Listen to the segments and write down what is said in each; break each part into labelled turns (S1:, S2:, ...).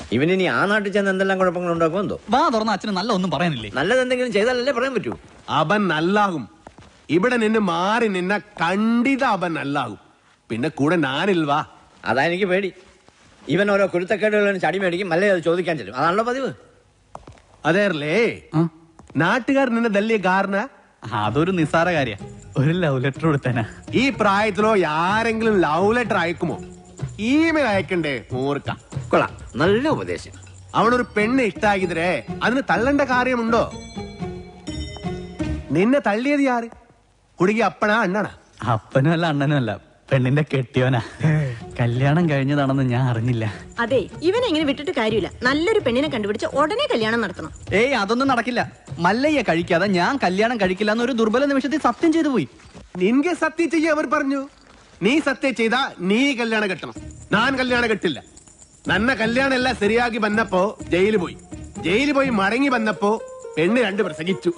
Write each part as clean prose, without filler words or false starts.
S1: ഇവനിനി ആ നാട്ടിൽ ചെന്ന് എന്തെല്ലാം കുഴപ്പങ്ങൾ ഉണ്ടാക്കും എന്തോ.
S2: വാ തുറന്ന അച്ഛന് നല്ല ഒന്നും പറയാനില്ലേ?
S1: നല്ലതെന്തെങ്കിലും ചെയ്താലല്ലേ പറയാൻ പറ്റൂ.
S3: അവൻ നല്ലാകും. ഇവിടെ നിന്ന് മാറി നിന്ന കണ്ടിത അവൻ നല്ലാകും. പിന്നെ കൂടെ ഞാനിൽവാ.
S1: അതാ എനിക്ക് പേടി. ഇവൻ ഓരോ കുരുത്തക്കേടുകളും ചടി മേടിക്കും, അല്ലേ അത് ചോദിക്കാൻ ചെല്ലും. അതാണല്ലോ പതിവ്.
S3: അതേർലേ നാട്ടുകാർ നിന്നെ തല്ലിയ കാരണം
S2: അതൊരു നിസ്സാര കാര്യ. ഒരു ലവ് ലെറ്റർ കൊടുത്തേനാ.
S3: ഈ പ്രായത്തിലോ ആരെങ്കിലും ലവ് ലെറ്റർ അയക്കുമോ? ഇമെയിൽ അയക്കണ്ടേ മൂർക്ക.
S1: കൊള്ളാം, നല്ല ഉപദേശം.
S3: അവനൊരു പെണ്ണ് ഇഷ്ടാക്കിതരേ അതിന് തള്ളേണ്ട കാര്യമുണ്ടോ? നിന്നെ തള്ളിയത് ആര്? കുടുങ്ങി അപ്പനാ അണ്ണനാ?
S2: അപ്പനും അല്ല അണ്ണനും അല്ല, പെണ്ണിന്റെ കെട്ടിയോനാ. കല്യാണം കഴിഞ്ഞതാണെന്ന് ഞാൻ അറിഞ്ഞില്ല.
S4: അതെ, ഇവനെ ഇങ്ങനെ വിട്ടിട്ട് കാര്യമില്ല. നല്ലൊരു പെണ്ണിനെ കണ്ടുപിടിച്ച് ഉടനെ കല്യാണം നടത്തണം.
S2: ഏയ് അതൊന്നും നടക്കില്ല. മല്ലയ്യ കഴിക്കാതെ ഞാൻ കല്യാണം കഴിക്കില്ല എന്നൊരു ദുർബല നിമിഷത്തിൽ സത്യം ചെയ്തു പോയി.
S3: നിൻಗೆ സത്യം ചെയ്യ അവർ പറഞ്ഞു. നീ സത്യം ചെയ്താ നീ കല്യാണം കെട്ടണം. ഞാൻ കല്യാണം കെട്ടില്ല. നന്ന കല്യാണം എല്ലാം ശരിയാക്കി വന്നപ്പോ ജയിലിൽ പോയി മടങ്ങി വന്നപ്പോ പെണ്ണ് 2 പ്രസംഗിച്ചു.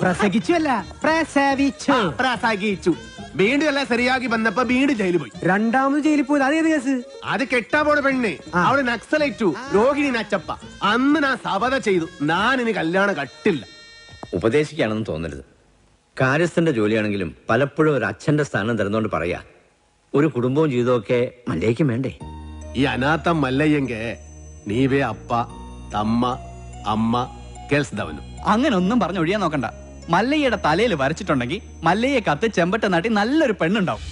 S3: പ്രസവിച്ചു. വീണ്ടും എല്ലാം ശരിയാക്കി വന്നപ്പോ വീണ്ടും ജയിലിൽ പോയി.
S5: രണ്ടാമത് ജയിലിൽ പോയത് അതേത് കേസ്?
S3: അത് കെട്ടാ പോണ പെണ്ണ്. അവള് നക്സലേറ്റു, രോഹിണി നച്ചപ്പ. അന്ന് ഞാൻ സബത ചെയ്തു, ഞാൻ ഇനി കല്യാണം കട്ടില്ല.
S1: ഉപദേശിക്കുകയാണെന്ന് തോന്നരുത്. കാര്യസ്ഥന്റെ ജോലിയാണെങ്കിലും പലപ്പോഴും ഒരു അച്ഛന്റെ സ്ഥാനം തരുന്നോണ്ട് പറയാ, ഒരു കുടുംബവും ജീവിതമൊക്കെ മല്ലയ്ക്കും വേണ്ടേ?
S3: ഈ അനാഥം മല്ലയ്യെങ്ക നീവേ അപ്പ തമ്മ അമ്മ കേൾസ്തവനും.
S2: അങ്ങനെ ഒന്നും പറഞ്ഞ് ഒഴിയാൻ നോക്കണ്ട. മല്ലയ്യയുടെ തലയിൽ വരച്ചിട്ടുണ്ടെങ്കിൽ മല്ലയ്യെ കത്ത് ചെമ്പട്ട നാട്ടി നല്ലൊരു പെണ്ണുണ്ടാവും.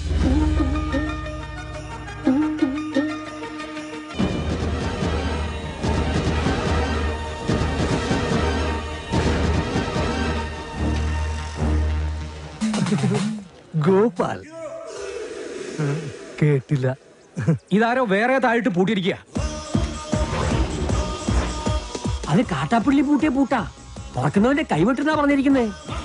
S5: ഗോപാൽ കേട്ടില്ല.
S6: ഇതാരോ വേറെ താഴിട്ട് പൂട്ടിയിരിക്കുക.
S5: അത് കാട്ടാപ്പിള്ളി പൂട്ടിയ പൂട്ടാ. തുറക്കുന്നവന്റെ കൈവിട്ടെന്നാ പറഞ്ഞിരിക്കുന്നേ.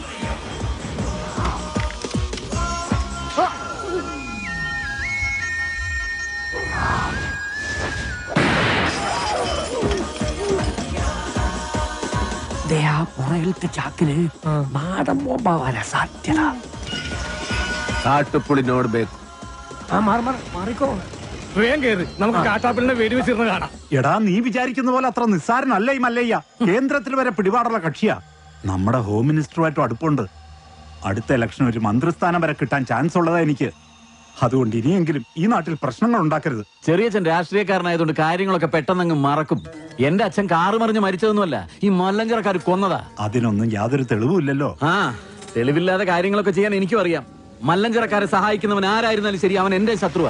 S5: പുറകിലത്തെ ചാക്കിന് മാടം ബോംബാവാനാ സാധ്യത.
S3: കാട്ടുപുളി നോಡ್ಬೇಕು.
S5: മാറിക്കോ.
S6: വേഗം കയറി, നമുക്ക് കാട്ടാപ്പിളിനെ വെടിവെച്ചിരുന്ന് കാണാം.
S7: എടാ, നീ വിചാരിക്കുന്ന പോലെ അത്ര നിസ്സാരനല്ല ഈ മല്ലയ്യ. കേന്ദ്രത്തിൽ വരെ പിടിപാടുള്ള കക്ഷിയാ. നമ്മുടെ ഹോം മിനിസ്റ്ററുമായിട്ടും അടുപ്പുണ്ട്. അടുത്ത ഇലക്ഷൻ ഒരു മന്ത്രിസ്ഥാനം വരെ കിട്ടാൻ ചാൻസ് ഉള്ളതാ എനിക്ക്. അതുകൊണ്ട് ഇനിയെങ്കിലും ഈ നാട്ടിൽ പ്രശ്നങ്ങൾ ഉണ്ടാക്കരുത്.
S8: ചെറിയച്ഛൻ രാഷ്ട്രീയക്കാരനായതുകൊണ്ട് കാര്യങ്ങളൊക്കെ പെട്ടെന്നങ്ങ് മറക്കും. എന്റെ അച്ഛൻ കാറ് മറിഞ്ഞ് മരിച്ചതൊന്നുമല്ല, ഈ മല്ലഞ്ചറക്കാർ കൊന്നതാ.
S7: അതിനൊന്നും യാതൊരു തെളിവുമില്ലല്ലോ.
S8: തെളിവില്ലാതെ കാര്യങ്ങളൊക്കെ ചെയ്യാൻ എനിക്കും അറിയാം. മല്ലഞ്ചറക്കാരെ സഹായിക്കുന്നവൻ ആരായിരുന്നാലും ശരി, അവൻ എന്റെ ശത്രുവാ.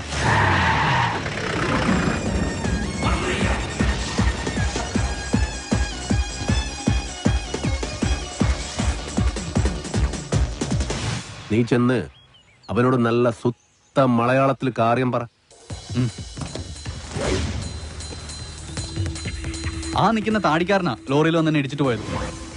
S3: നീ ചെന്ന് അവനോട് നല്ല സുത്ത മലയാളത്തിൽ കാര്യം പറ.
S2: ആ നിൽക്കുന്ന താടിക്കാരനാ ലോറിയിൽ വന്നെ ഇടിച്ചിട്ട് പോയത്.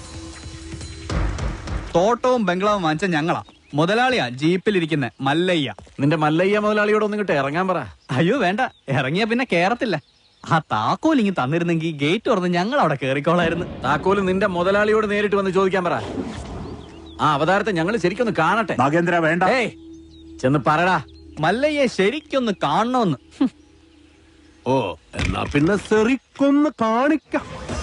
S2: തോട്ടവും ബംഗ്ലാവും വാങ്ങിച്ച ഞങ്ങളാ. മുതലാളിയാ ജീപ്പിലിരിക്കുന്ന മല്ലയ്യ.
S8: നിന്റെ മല്ലയ്യ മുതലാളിയോട് ഒന്നും കിട്ടെ ഇറങ്ങാൻ പറ.
S2: അയ്യോ വേണ്ട, ഇറങ്ങിയ പിന്നെ കേറത്തില്ല. ആ താക്കോൽ ഇങ്ങ് തന്നിരുന്നെങ്കിൽ ഗേറ്റ് തുറന്ന് ഞങ്ങൾ അവിടെ കേറിക്കോളായിരുന്നു.
S8: താക്കോല് നിന്റെ മുതലാളിയോട് നേരിട്ട് വന്ന് ചോദിക്കാൻ പറ. ആ അവതാരത്തെ ഞങ്ങൾ ശരിക്കൊന്ന് കാണട്ടെ.
S7: നാഗേന്ദ്ര വേണ്ട.
S8: ചെന്ന് പറടാ,
S2: മല്ലയ്യെ ശരിക്കൊന്ന് കാണണമെന്ന്.
S3: ഓ, എന്നാ പിന്നെ ശരിക്കൊന്ന് കാണിക്കാം.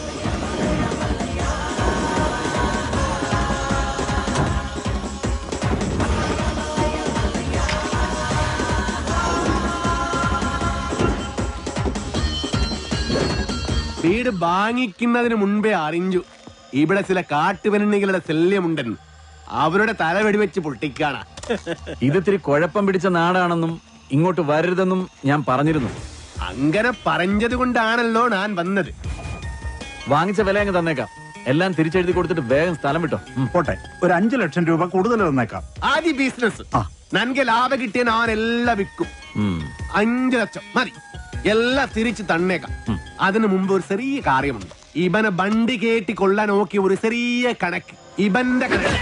S3: വീട് വാങ്ങിക്കുന്നതിന് മുൻപേ അറിഞ്ഞു ഇവിടെ ചില കാട്ടുപെണ്ണികളുടെ ശല്യമുണ്ടെന്ന്. അവരുടെ തല വെടിവെച്ച് പൊട്ടിക്കാണ.
S8: ഇതിത്തിരി കുഴപ്പം പിടിച്ച നാടാണെന്നും ഇങ്ങോട്ട് വരരുതെന്നും ഞാൻ പറഞ്ഞിരുന്നു.
S3: അങ്ങനെ പറഞ്ഞത് കൊണ്ടാണല്ലോ ഞാൻ വന്നത്.
S8: വാങ്ങിച്ച വില അങ്ങ് തന്നേക്കാം. എല്ലാം തിരിച്ചെഴുതി കൊടുത്തിട്ട് വേഗം സ്ഥലം വിട്ടോ.
S7: പോട്ടെ, ഒരു 5 ലക്ഷം രൂപ കൂടുതൽ തന്നേക്കാം.
S3: ആദ്യ ബിസിനസ് നൻകെ ലാഭം കിട്ടിയ ഞാൻ എല്ലാം വിൽക്കും. 5 ലക്ഷം മതി, എല്ലാം തിരിച്ച് തന്നേക്കാം. അതിനു മുമ്പ് ഒരു ചെറിയ കാര്യമുണ്ട്. ഇവനെ വണ്ടി കേട്ടി കൊള്ളാൻ നോക്കിയ ഒരു ചെറിയ കണക്ക്. ഇവന്റെ കണക്ക്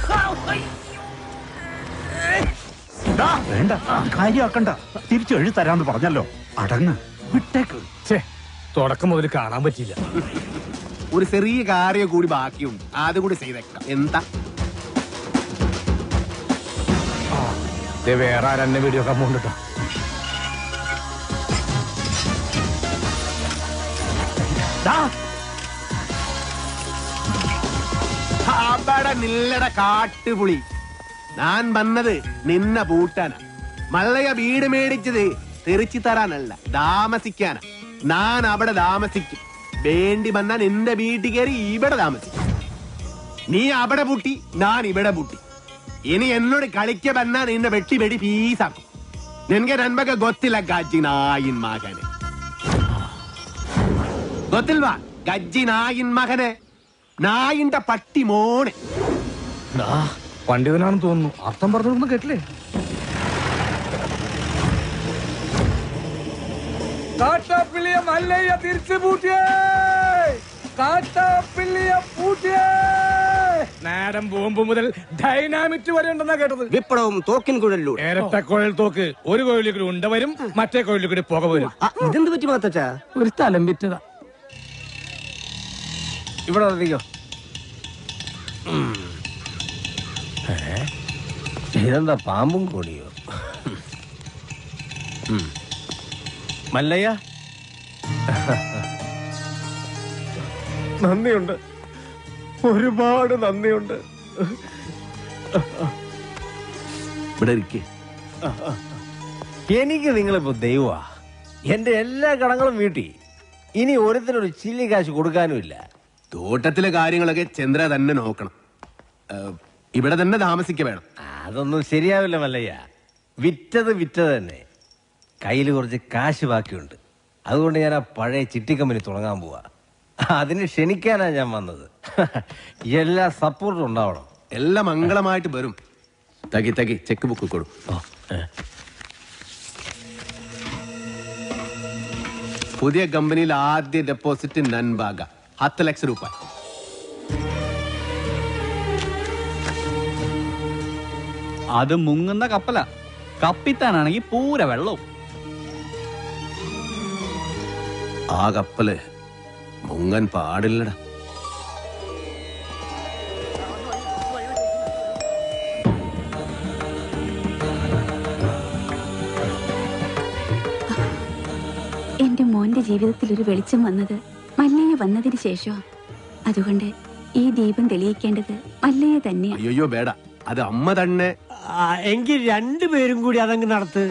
S7: വേണ്ട, കാര്യമാക്കണ്ട. തിരിച്ചു എഴുതി തരാന്ന് പറഞ്ഞല്ലോ. അടങ്ങ്, വിട്ടേക്ക്.
S6: തുടക്കം മുതൽ കാണാൻ പറ്റിയില്ല.
S3: ഒരു ചെറിയ കാര്യം കൂടി ബാക്കിയുണ്ട്, അതുകൂടി ചെയ്തേക്കാം. എന്താ
S6: വേറെ ആരെന്നെ വീഡിയോ കമ്പൗണ്ട്
S3: അവിടെ നില്ലട കാട്ടുപുളി. ഞാൻ വന്നത് നിന്നെ പൂട്ടാനാ. മല്ലയ വീട് മേടിച്ചത് തെറിച്ചു തരാനല്ല, താമസിക്കാനാ. ഞാൻ അവിടെ താമസിക്കും. വേണ്ടി വന്നാൽ എന്റെ വീട്ടിൽ കയറി ഇവിടെ താമസിക്കും. നീ അവിടെ പൂട്ടി, ഞാൻ ഇവിടെ പൂട്ടി. ഇനി എന്നോട് കളിക്ക വന്നാ നിന്നെ വെട്ടി വെടി പീസാക്കും. നിനക്ക് നൻപക ಗೊತ್ತಿಲ್ಲ ಗಜ್ಜಿ ನಾಯಿನ್ ಮಗನೆ. ಗೊತ್ತಿಲ್ವಾ ಗಜ್ಜಿ ನಾಯಿನ್ മകനെ? നായിന്റെ പട്ടി മോനെ.
S6: പണ്ഡിതനാണെന്ന് തോന്നുന്നു. അർത്ഥം പറഞ്ഞൊന്നും കേട്ടില്ലേ? കാട്ടാപ്പിള്ളിയെ മല്ലയ്യ തിരിച്ചു പൂട്ടിയേ. കാട്ടാപ്പിള്ളിയെ പൂട്ടിയേ. നേരം ബോംബ് മുതൽ ഡൈനാമിറ്റ് വരെ ഉണ്ടെന്നാ കേട്ടത്.
S5: വിപ്ലവം തോക്കിൻ കുഴലിലൂടെ.
S6: ഇരട്ട കുഴൽ തോക്ക്. ഒരു കുഴലിൽ കൂടി ഉണ്ട വരും, മറ്റേ കുഴലിൽ കൂടി പുക വരും.
S5: ഇതെന്ത് പറ്റി മാത്തച്ചാ?
S6: ഒരു സ്ഥലം വിറ്റതാ.
S5: ഇവിടെ അറിയോ? ഇതെന്താ പാമ്പും കൂടിയോ? മല്ലയ്യ, നന്ദിയുണ്ട്, ഒരുപാട് നന്ദിയുണ്ട്.
S3: ഇവിടെ ഇരിക്കേ.
S5: എനിക്ക് നിങ്ങളിപ്പോ ദൈവമാ. എന്റെ എല്ലാ കടങ്ങളും വീട്ടി. ഇനി ഓരോരുത്തരൊരു ചില്ലി കാശ് കൊടുക്കാനുമില്ല.
S3: തോട്ടത്തിലെ കാര്യങ്ങളൊക്കെ ചന്ദ്ര തന്നെ നോക്കണം. ഇവിടെ തന്നെ താമസിക്ക വേണം.
S5: അതൊന്നും ശരിയാവില്ല മല്ലയ്യ. വിറ്റത് തന്നെ. കയ്യിൽ കുറച്ച് കാശ് ബാക്കിയുണ്ട്. അതുകൊണ്ട് ഞാൻ ആ പഴയ ചിട്ടി കമ്പനി തുടങ്ങാൻ പോവാ. അതിന് ക്ഷണിക്കാനാ ഞാൻ വന്നത്. എല്ലാ സപ്പോർട്ടും ഉണ്ടാവണം.
S3: എല്ലാം മംഗളമായിട്ട് വരും. തകി ചെക്ക് ബുക്ക് കൊടു. പുതിയ കമ്പനിയിൽ ആദ്യ ഡെപ്പോസിറ്റ് നൻബാഗ 10 ലക്ഷം രൂപ.
S2: അത് മുങ്ങുന്ന കപ്പല. കപ്പിത്താനാണെങ്കിൽ പൂര വെള്ളവും.
S3: ആ കപ്പല് മുങ്ങൻ പാടില്ലടാ.
S9: എന്റെ മോന്റെ ജീവിതത്തിൽ ഒരു വെളിച്ചം വന്നത് മല്ലയ്യ വന്നതിന് ശേഷം. അതുകൊണ്ട് ഈ ദീപം തെളിയിക്കേണ്ടത് മല്ലയ്യ തന്നെയാണ്.
S3: അയ്യോ വേട, അത് അമ്മ തന്നെ.
S5: എങ്കിൽ രണ്ടുപേരും കൂടി അതങ്ങ് നടത്ത്.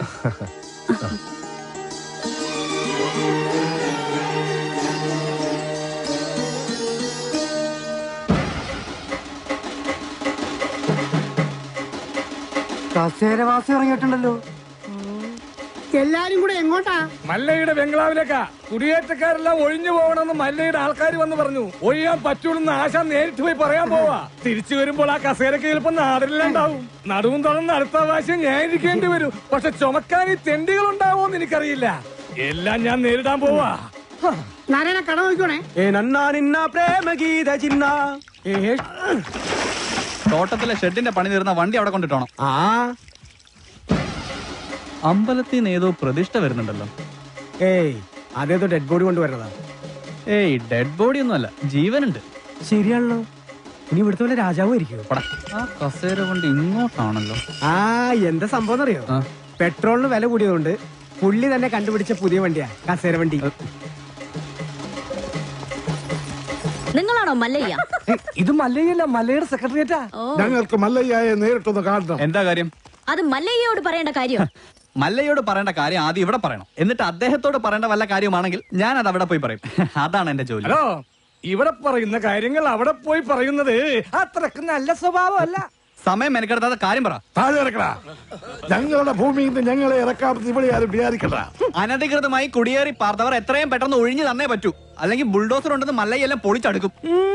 S5: കസേരവാസം ഇറങ്ങിയിട്ടുണ്ടല്ലോ.
S10: എല്ലാരും കൂടെ എങ്ങോട്ടാ?
S6: മല്ലയുടെ ബംഗ്ലാവിലേക്കാ. കുടിയേറ്റക്കാരെല്ലാം ഒഴിഞ്ഞു പോകണമെന്ന് മല്ലയുടെ ആൾക്കാർ വന്ന് പറഞ്ഞു. ഒഴിയാൻ പറ്റൂലെന്ന് ആശ നേരിട്ട് പോയി പറയാൻ പോവാ. തിരിച്ചു വരുമ്പോൾ ആ കസേരക്ക് ചിലപ്പോൾ നാടിലുണ്ടാവും. നടുവും തുറന്ന് അടുത്ത പ്രാവശ്യം ഞാൻ ഇരിക്കേണ്ടി വരും. പക്ഷെ ചുമക്കാൻ ഈ തെണ്ടികൾ ഉണ്ടാവോന്ന് എനിക്കറിയില്ല. എല്ലാം ഞാൻ നേരിടാൻ പോവാ.
S10: നാരായണ കട നോക്കണേ.
S2: തോട്ടത്തിലെ ഷെഡിന്റെ പണി തീർന്ന വണ്ടി അവിടെ കൊണ്ടിട്ടോണം. അമ്പലത്തിൽ നിന്ന് ഏതോ പ്രതിഷ്ഠ വരുന്നുണ്ടല്ലോ.
S5: ഏയ്, അതേതോ ഡെഡ് ബോഡി കൊണ്ടുവരുന്നതാ.
S2: ഏയ്, ഡെഡ് ബോഡി ഒന്നും അല്ല, ജീവനുണ്ട്.
S5: ശരിയാണല്ലോ. ഇനി ഇവിടുത്തെ പോലെ രാജാവും ഇരിക്കും.
S2: ആ കസേര കൊണ്ട് ഇങ്ങോട്ടാണല്ലോ.
S5: എന്താ സംഭവം അറിയോ? പെട്രോളിന് വില കൂടിയതുകൊണ്ട് പുള്ളി തന്നെ കണ്ടുപിടിച്ച പുതിയ വണ്ടിയാ കസേര വണ്ടി.
S4: നിങ്ങളാണോ മല്ലയ്യ?
S5: ഇത് മല്ലയ്യല്ല, മല്ലയുടെ സെക്രട്ടറിയേറ്റാ.
S6: ഞങ്ങൾക്ക് മല്ലയ്യയെ നേരിട്ടൊന്ന് കാണണം.
S2: എന്താ കാര്യം?
S4: അത് മല്ലയ്യയോട് പറയേണ്ട കാര്യം.
S2: മല്ലയോട് പറയേണ്ട കാര്യം ആദ്യം ഇവിടെ പറയണം. എന്നിട്ട് അദ്ദേഹത്തോട് പറയേണ്ട വല്ല കാര്യമാണെങ്കിൽ ഞാൻ അത് അവിടെ പോയി പറയും. അതാണ് എന്റെ ജോലി.
S6: ഹലോ, ഇവിടെ പറയുന്ന കാര്യങ്ങൾ അവിടെ പോയി പറയുന്നത് അത്രക്ക് നല്ല സ്വഭാവമല്ല.
S2: സമയം മെനക്കെടുത്താതെ കാര്യം പറ.
S6: താഴെ ഇറക്കടാ. ഞങ്ങളുടെ ഭൂമിയിൽ നിന്ന് ഞങ്ങളെ ഇറക്കാമെന്ന് ഇവിടെ ആരും വിചാരിക്കണ്ട.
S2: അനധികൃതമായി കുടിയേറി പാർത്തവർ എത്രയും പെട്ടെന്ന് ഒഴിഞ്ഞു തന്നേ പറ്റൂ. അല്ലെങ്കിൽ ബുൾഡോസർ ഉണ്ടെന്ന് മല്ലയെല്ലാം പൊളിച്ചടുക്കും.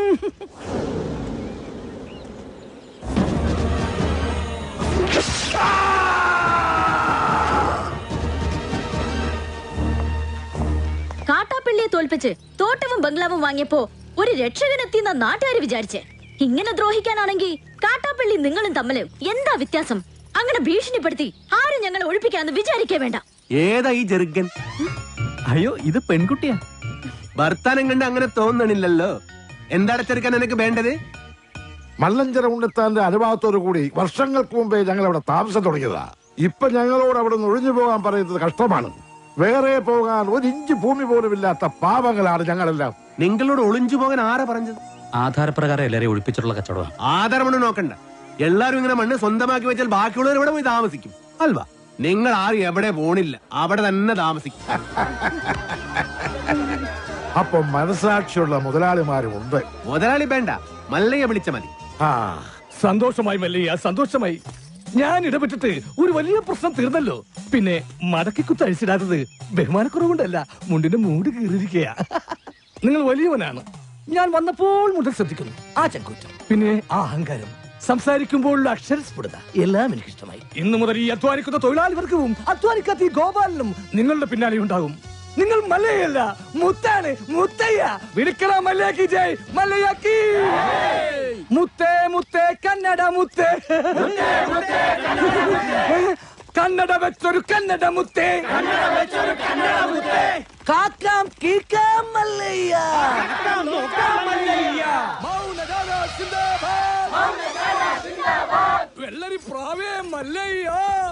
S4: കാട്ടാപ്പിള്ളിയെ തോൽപ്പിച്ച് തോട്ടവും ബംഗ്ലാവും വാങ്ങിയപ്പോ ഒരു രക്ഷകനെത്തിയെന്ന നാട്ടുകാര് വിചാരിച്ചേ. ഇങ്ങനെ ദ്രോഹിക്കാനാണെങ്കിൽ കാട്ടാപ്പള്ളി നിങ്ങളും തമ്മില് എന്താ വ്യത്യാസം? അങ്ങനെ ഭീഷണിപ്പെടുത്തി ആരും ഞങ്ങളെ ഒഴിപ്പിക്കാന്ന് വിചാരിക്കേ വേണ്ട.
S3: ഏതാ ഈ ജെറുഗൻ?
S2: അയ്യോ, ഇത് പെൺകുട്ടിയാ.
S3: ഭർത്താനം കണ്ട് അങ്ങനെ തോന്നണില്ലല്ലോ. എന്താണ് ചെറുക്കൻ നിനക്ക് വേണ്ടത്?
S6: മല്ലഞ്ചര ഉണ്ണിത്താന്റെ അനുഭവത്തോടു കൂടി വർഷങ്ങൾക്ക് മുമ്പേ ഞങ്ങൾ അവിടെ താമസം തുടങ്ങിയതാ. ഇപ്പൊ ഞങ്ങളോട് അവിടെ നിന്ന് ഒഴിഞ്ഞു പോകാൻ പറയുന്നത് കഷ്ടമാണ്. വേറെ പോകാൻ 1 ഇഞ്ച് ഭൂമി പോലും ഇല്ലാത്ത പാവങ്ങളാണ് ഞങ്ങളെല്ലാം.
S3: നിങ്ങളോട് ഒളിഞ്ചു പോകാൻ ആരാ പറഞ്ഞത്?
S8: ആധാരപ്രകാരം എല്ലാരെയും ഒഴിപ്പിച്ചിട്ടുള്ള കച്ചവടമാണ്.
S3: ആധാരമണ്ണ് നോക്കണ്ട. എല്ലാരും ഇങ്ങനെ മണ്ണ് സ്വന്തമാക്കി വെച്ചാൽ ബാക്കിയുള്ളവർ ഇവിടെ പോയി താമസിക്കും അൽവാ. നിങ്ങൾ ആരും എവിടെ പോണില്ല, അവിടെ തന്നെ താമസിക്കും.
S6: അപ്പൊ മനസാക്ഷിയുള്ള മുതലാളിമാരും ഉണ്ട്.
S3: മുതലാളി വേണ്ട, മല്ലയെ വിളിച്ച മതി.
S6: സന്തോഷമായി മല്ലയ്യ, സന്തോഷമായി. ഞാൻ ഇടപെട്ടിട്ട് ഒരു വലിയ പ്രശ്നം തീർന്നല്ലോ. പിന്നെ മടക്കിക്കുത്ത് അഴിച്ചിടാത്തത് ബഹുമാനക്കുറവുകൊണ്ടല്ല, മുണ്ടിന്റെ മൂട് കീറിയിരിക്കുക. നിങ്ങൾ വലിയവനാണ്. ഞാൻ വന്നപ്പോൾ മുതൽ ശ്രദ്ധിക്കുന്നു ആ ചങ്കൂറ്റം, പിന്നെ ആ അഹങ്കാരം, സംസാരിക്കുമ്പോഴുള്ള അക്ഷരസ്ഫുടത എല്ലാം എനിക്ക് ഇഷ്ടമായി. ഇന്നു മുതൽ ഈ അധ്വാനിക്കുന്ന തൊഴിലാളി വർഗവും അധ്വാനിക്കാത്ത ഈ ഗോപാലനും നിങ്ങളുടെ പിന്നാലെ ഉണ്ടാകും. നിങ്ങൾ മല്ലയല്ല, മുത്താണ്, മുത്തയ്യ. വിളിക്കണ മല്ലയാക്കി ജയ്, മല്ലയാക്കി. മുത്തേ മുത്തേ കന്നഡ മുത്തേ, കന്നഡ വെച്ചൊരു കന്നഡ മുത്തേ, കാക്കാം കീക്കാം മല്ലയ്യ, വെള്ളരി പ്രാവേ മല്ലയ്യ.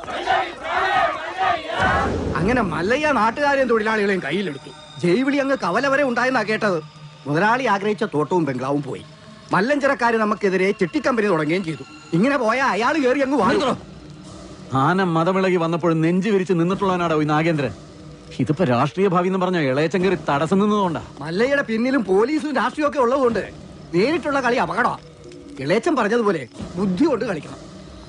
S10: അങ്ങനെ മല്ലയ്യ നാട്ടുകാരെയും തൊഴിലാളികളെയും കയ്യിലെടുത്തു. ജൈവിളി അങ്ങ് കവല വരെ ഉണ്ടായെന്നാ കേട്ടത്. മുതലാളി ആഗ്രഹിച്ച തോട്ടവും ബംഗ്ലാവും പോയി. മല്ലഞ്ചരക്കാര് നമുക്കെതിരെ ചിട്ടിക്കമ്പനി തുടങ്ങുകയും ചെയ്തു. ഇങ്ങനെ പോയ അയാൾ കയറി അങ്ങ് വാങ്ങി.
S8: ആന മതമിളകി വന്നപ്പോഴും നെഞ്ചു വിരിച്ച് നിന്നിട്ടുള്ളവനാടോ ഈ നാഗേന്ദ്രൻ. ഇതിപ്പോ രാഷ്ട്രീയ ഭാവി എന്ന് പറഞ്ഞ ഇളയച്ചൻ കയറി തടസ്സം നിന്നതുകൊണ്ടാ.
S10: മല്ലയ്യയുടെ പിന്നിലും പോലീസും രാഷ്ട്രീയം ഒക്കെ ഉള്ളതുകൊണ്ട് നേരിട്ടുള്ള കളി അപകടമാണ്. ഇളയച്ചൻ പറഞ്ഞതുപോലെ ബുദ്ധി കൊണ്ട് കളിക്കണം.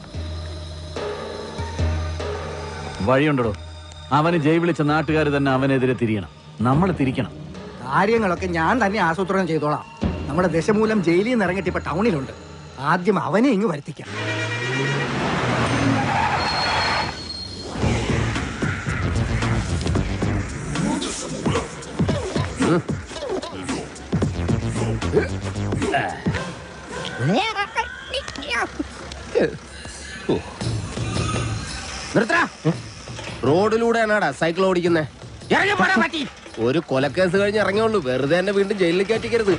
S8: വഴിയുണ്ടോ? അവന് ജയ് വിളിച്ച നാട്ടുകാർ തന്നെ അവനെതിരെ തിരിയണം, നമ്മൾ തിരിക്കണം.
S10: കാര്യങ്ങളൊക്കെ ഞാൻ തന്നെ ആസൂത്രണം ചെയ്തോളാം. നമ്മുടെ ദശമൂലം ജയിലിൽ നിന്ന് ഇറങ്ങിയിട്ട് ഇപ്പൊ ടൗണിലുണ്ട്. ആദ്യം അവനെ ഇങ്ങ് വരുത്തിക്കാം.
S5: റോഡിലൂടെയാണാടാ സൈക്കിൾ ഓടിക്കുന്നേ? ഒരു കൊലക്കേസ് കഴിഞ്ഞ് ഇറങ്ങിയുള്ളൂ, വെറുതെ എന്നെ വീണ്ടും ജയിലിൽ കയറ്റിക്കരുത്.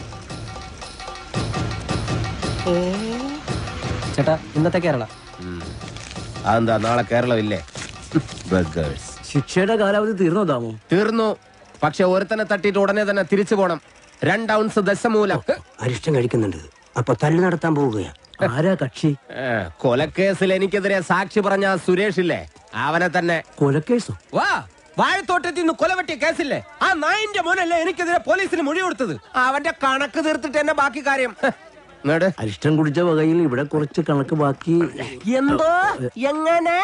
S10: ചേട്ടാ, ഇന്നത്തെ കേരള
S5: അതെന്താ നാളെ കേരളം ഇല്ലേ?
S1: ശിക്ഷയുടെ കാലാവധി തീർന്നോ താമോ?
S5: തീർന്നു. പക്ഷെ ഒരുത്തനെ തട്ടിയിട്ട് ഉടനെ തന്നെ തിരിച്ചു പോണം. 2 ഔൺസ് ദശമൂലം.
S10: അരിഷ്ടം കഴിക്കുന്നുണ്ട്. അപ്പൊ തല്ലു നടത്താൻ പോവുകയാ.
S1: ആരാ കക്ഷി?
S5: കൊലക്കേസിൽ എനിക്കെതിരെ സാക്ഷി പറഞ്ഞ സുരേഷ് ഇല്ലേ, അവനെ തന്നെ.
S1: കൊലക്കേസോ?
S5: വാ, വാഴത്തോട്ടത്തിൽ നിന്ന് കൊലവെട്ടിയ കേസില്ലേ, ആ നായിന്റെ മോനല്ലേ എനിക്കെതിരെ പോലീസിന് മൊഴി കൊടുത്തത്. അവന്റെ കണക്ക് തീർത്തിട്ട് എന്നെ ബാക്കി കാര്യം.
S1: അരിഷ്ടം കുടിച്ച വകയിൽ ഇവിടെ കുറച്ച് കണക്ക് ബാക്കി.
S5: എന്തോ എങ്ങനെ?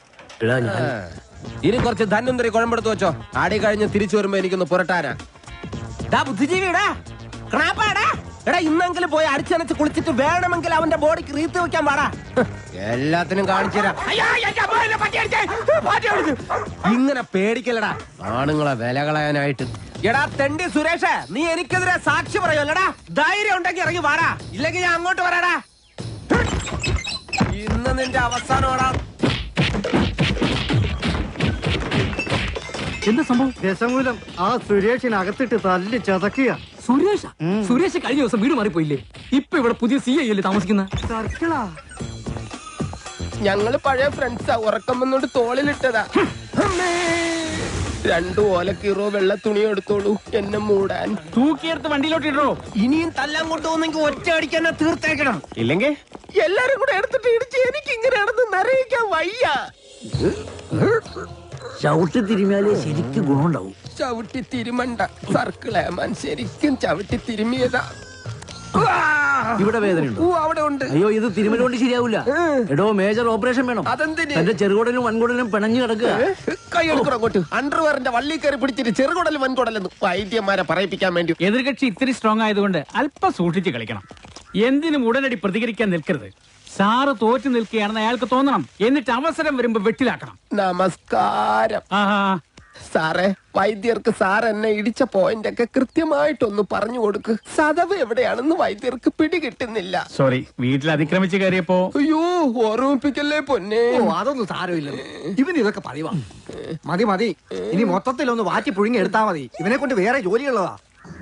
S5: ഇനി കുറച്ച് ധന്വന്തരി കുഴമ്പെടുത്ത് വെച്ചോ. ആടി കഴിഞ്ഞ് തിരിച്ചു വരുമ്പോ എനിക്കൊന്ന് പുരട്ടാനാ. ബുദ്ധിജീവിടാ, എടാ ഇന്നെങ്കിലും പോയി അടിച്ചനച്ച് കുളിച്ചിട്ട് വേണമെങ്കിൽ അവന്റെ ബോഡിക്ക് റീത്ത് വെക്കാൻ പാടാ. എല്ലാത്തിനും കാണിച്ചുതരാം. ഇങ്ങനെ പേടിക്കലടാ ആണുങ്ങളെ വില കളയാനായിട്ട്. എടാ തെണ്ടി സുരേഷ്, നീ എനിക്കെതിരെ സാക്ഷി പറയുമല്ലടാ. ധൈര്യം ഉണ്ടെങ്കിൽ ഇറങ്ങി വാടാ, ഇല്ലെങ്കിൽ ഞാൻ അങ്ങോട്ട് വരാടാ. ഇന്ന് നിന്റെ അവസാനമാടാ.
S10: എന്താ സംഭവം? ദശമൂലം ആ സുരേഷിനകത്തിട്ട് തല്ലി ചതക്കുക.
S11: സുരേഷ് കഴിഞ്ഞ ദിവസം വീട് മാറിപ്പോയില്ലേ? ഇപ്പൊ ഇവിടെ പുതിയ CI അല്ലേ താമസിക്കുന്ന?
S10: സർക്കിളാ.
S5: ഞങ്ങള് പഴയ ഫ്രണ്ട്സാ. ഉറക്കം വന്നോണ്ട് തോളിലിട്ടതാ. 2 ഓലക്കീറോ വെള്ള തുണി എടുത്തോളൂ എന്നെ മൂടാൻ.
S11: തൂക്കിയെടുത്ത് വണ്ടിയിലോട്ട് ഇടോ.
S5: ഇനിയും തല്ലാൻ കൊണ്ടുപോകുന്നെങ്കിൽ ഒറ്റ അടിക്കാൻ തീർത്തേക്കണം. ഇല്ലെങ്കിൽ എല്ലാരും കൂടെ എടുത്തിട്ട് ഇടിച്ച് എനിക്ക് ഇങ്ങനെയാണെന്ന് നിറയിക്കാൻ വയ്യ.
S1: ചവിട്ടി തിരുമിയാലേ ശരിക്കും ഗുണമുണ്ടാവും.
S5: ചവിട്ടി തിരുമണ്ട സർക്കിളേമാൻ, ശരിക്കും ചവിട്ടി തിരുമിയതാ.
S1: ഇവിടെ വേദനയുണ്ടോ?
S5: അവിടെ ഉണ്ട്.
S1: അയ്യോ, ഇത് തിരുമല കൊണ്ട് ശരിയാവില്ല. എടോ, മേജർ ഓപ്പറേഷൻ വേണം.
S5: അതെന്തിന്?
S1: എന്റെ ചെറുകുടലും വൻകുടലും പിണഞ്ഞു കിടക്കുക.
S5: കൈ എടുക്കണം അങ്ങോട്ട്. അണ്ടർവെയറിന്റെ വള്ളി കയറി പിടിച്ചിട്ട് ചെറുകുടലും വൻകുടലെന്ന് വൈദ്യന്മാരെ പറയിപ്പിക്കാൻ വേണ്ടി.
S11: എതിർകക്ഷി ഇത്തിരി സ്ട്രോങ് ആയതുകൊണ്ട് അല്പം സൂക്ഷിച്ച് കളിക്കണം. എന്തിനും ഉടനടി പ്രതികരിക്കാൻ നിൽക്കരുത്. സാറ് തോറ്റു നിൽക്കുകയാണെന്ന് അയാൾക്ക് തോന്നണം. എന്നിട്ട് അവസരം വരുമ്പോ വെട്ടിലാക്കണം.
S5: നമസ്കാരം സാറേ. വൈദ്യർക്ക് സാർ എന്നെ ഇടിച്ച പോയിന്റ് ഒക്കെ കൃത്യമായിട്ടൊന്ന് പറഞ്ഞു കൊടുക്ക്. സദവ് എവിടെയാണെന്ന് വൈദ്യർക്ക് പിടികിട്ടുന്നില്ല.
S11: സോറി, വീട്ടിൽ അതിക്രമിച്ച് കയറിയപ്പോ.
S5: അയ്യോ, ഓർമ്മിപ്പിക്കല്ലേ പൊന്നെ.
S10: അതൊന്നും സാരമില്ല. ഇവന് ഇതൊക്കെ പതിവാ. മതി മതി, ഇനി മൊത്തത്തിലൊന്ന് വാറ്റി പുഴുങ്ങി എടുത്താ മതി. ഇവനെ കൊണ്ട് വേറെ ജോലിയുള്ളതാ.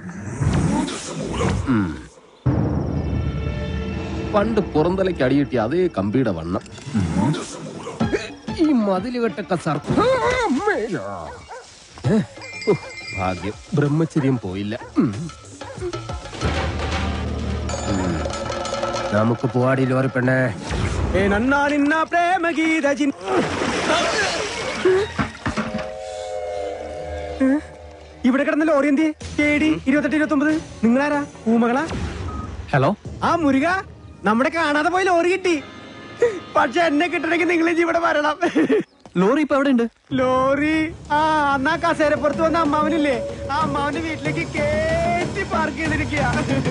S5: പണ്ട് പുറന്തലയ്ക്ക് അടിയിട്ടി അതേ കമ്പിയുടെ വണ്ണം. ഈ മതിലുകെട്ടൊക്കെ ഭാഗ്യം ബ്രഹ്മചര്യം പോയില്ല. നമുക്ക് പോവാടി ലോറി പെണ്ണേ.
S10: ഇവിടെ കിടന്ന ലോറി എന്തി KD 2829 നിങ്ങളാരാ? പൂമകളാ?
S2: ഹലോ
S10: ആ മുരുക, നമ്മുടെ കാണാതെ പോയി ലോറി കിട്ടി. പക്ഷെ എന്നെ കിട്ടണമെങ്കിൽ നിങ്ങൾ ഇവിടെ വരണം.
S2: ലോറി ഇപ്പൊ എവിടെ ഉണ്ട്?
S10: ലോറി അന്നാ കസേരപ്പുറത്ത് വന്ന അമ്മാവനില്ലേ, ആ അമ്മാവന്റെ വീട്ടിലേക്ക് കേറ്റി പാർക്ക് ചെയ്തിരിക്കുക.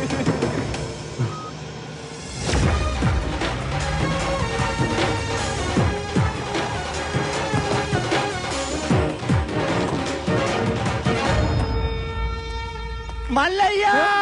S10: മല്ലയ്യ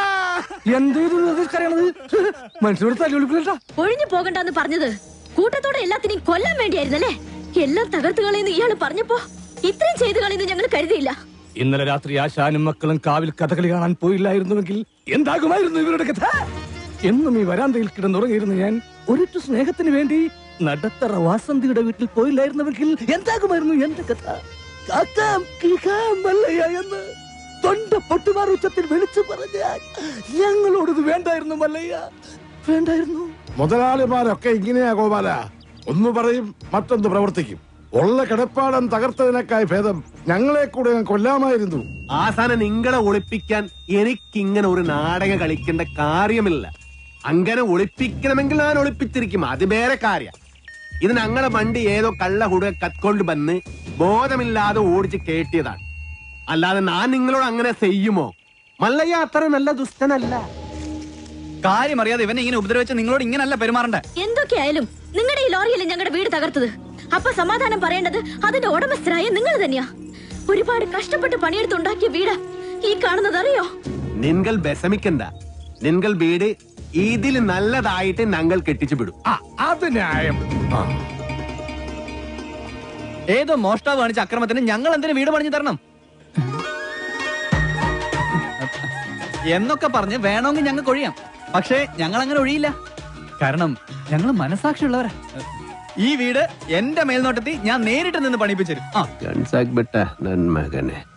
S6: മനുഷ്യനോട് തല്ലുവിളിക്കില്ല.
S4: ഒഴിഞ്ഞു പോകണ്ടെന്ന് പറഞ്ഞത് കൂട്ടത്തോടെ എല്ലാത്തിനെയും കൊല്ലാൻ വേണ്ടിയായിരുന്നല്ലേ? എല്ലാം തകർത്ത് കളയുന്നു ഇയാള് പറഞ്ഞപ്പോ ഇത്രയും ചെയ്തു കളയുന്നു ഞങ്ങൾ കരുതിയില്ല.
S6: ഇന്നലെ രാത്രി ആശാനും മക്കളും കാവിൽ കഥകളി കാണാൻ പോയില്ലായിരുന്നുവെങ്കിൽ എന്താകുമായിരുന്നു ഇവരുടെ കഥ? എന്നും ഈ വരാന്തയിൽ കിടന്നുറങ്ങിയിരുന്നു ഞാൻ. ഒരിറ്റു സ്നേഹത്തിന് വേണ്ടി നടത്തറ വാസന്തിയുടെ വീട്ടിൽ പോയില്ലായിരുന്നുവെങ്കിൽ എന്താകുമായിരുന്നു എന്റെ കഥ? കാക്കാം കിളിക്കാം മല്ലയ്യ എന്ന് തൊണ്ട പൊട്ടുമാർ ഉച്ചത്തിൽ വിളിച്ചു പറഞ്ഞാൽ ഞങ്ങളോടത് വേണ്ടായിരുന്നു മല്ലയ്യ, വേണ്ടായിരുന്നു.
S12: മുതലാളിമാരൊക്കെ ഇങ്ങനെയാ ഗോപാല. ഒന്ന് പറയും മറ്റൊന്ന് പ്രവർത്തിക്കും. ഉള്ള കിടപ്പാടം തകർത്തതിനേക്കായി ഭേദം ഞങ്ങളെ കൂടെ കൊല്ലാമായിരുന്നു.
S3: ആസാനം നിങ്ങളെ ഒളിപ്പിക്കാൻ എനിക്കിങ്ങനെ ഒരു നാടകം കളിക്കേണ്ട കാര്യമില്ല. അങ്ങനെ ഒളിപ്പിക്കണമെങ്കിൽ ഞാൻ ഒളിപ്പിച്ചിരിക്കും, അത് വേറെ കാര്യം. ഇത് ഞങ്ങളെ വണ്ടി ഏതോ കള്ള ഹുട കത്കൊണ്ട് വന്ന് ബോധമില്ലാതെ ഓടിച്ച് കേട്ടിയതാണ്. അല്ലാതെ ഞാൻ നിങ്ങളോട് അങ്ങനെ ചെയ്യുമോ? മല്ലയ്യ അത്ര നല്ല ദുഷ്ടനല്ല.
S2: കാര്യം അറിയാതെ ഇവനെ ഇങ്ങനെ ഉപദ്രവിച്ച് നിങ്ങളോട് ഇങ്ങനല്ല പെരുമാറണ്ടേ.
S4: എന്തൊക്കെയായാലും നിങ്ങളുടെ ഈ ലോറിയല്ലേ ഞങ്ങളുടെ വീട് തകർത്തത്. അപ്പൊ സമാധാനം പറയേണ്ടത് അതിന്റെ ഉടമസ്ഥരായ നിങ്ങൾ തന്നെയാ. ഒരുപാട് കഷ്ടപ്പെട്ട് പണിയെടുത്തുണ്ടാക്കിയ വീട് ഈ കാണുന്നത് അറിയോ?
S3: നിങ്ങൾ വിഷമിക്കണ്ട. നിങ്ങൾ വീട് ഇതിൽ നല്ലതായിട്ട് ഞങ്ങൾ കെട്ടിച്ചു വിടും.
S6: അത് ന്യായം.
S2: ഏതോ മോഷ്ടാവ് കാണിച്ച അക്രമത്തിന് ഞങ്ങൾ എന്തിനു വീട് പണിഞ്ഞു തരണം എന്നൊക്കെ പറഞ്ഞ് വേണമെങ്കിൽ ഞങ്ങൾക്ക് ഒഴിയാം. പക്ഷേ ഞങ്ങൾ അങ്ങനെ ഒഴിയില്ല. കാരണം ഞങ്ങൾ മനസാക്ഷിയുള്ളവരാ. ഈ വീട് എന്റെ മേൽനോട്ടത്തിൽ ഞാൻ നേരിട്ട് നിന്ന് പണിപ്പിച്ചു തരും.
S3: ഗൺസാക്ക് ബെട്ട നന്മകനെ.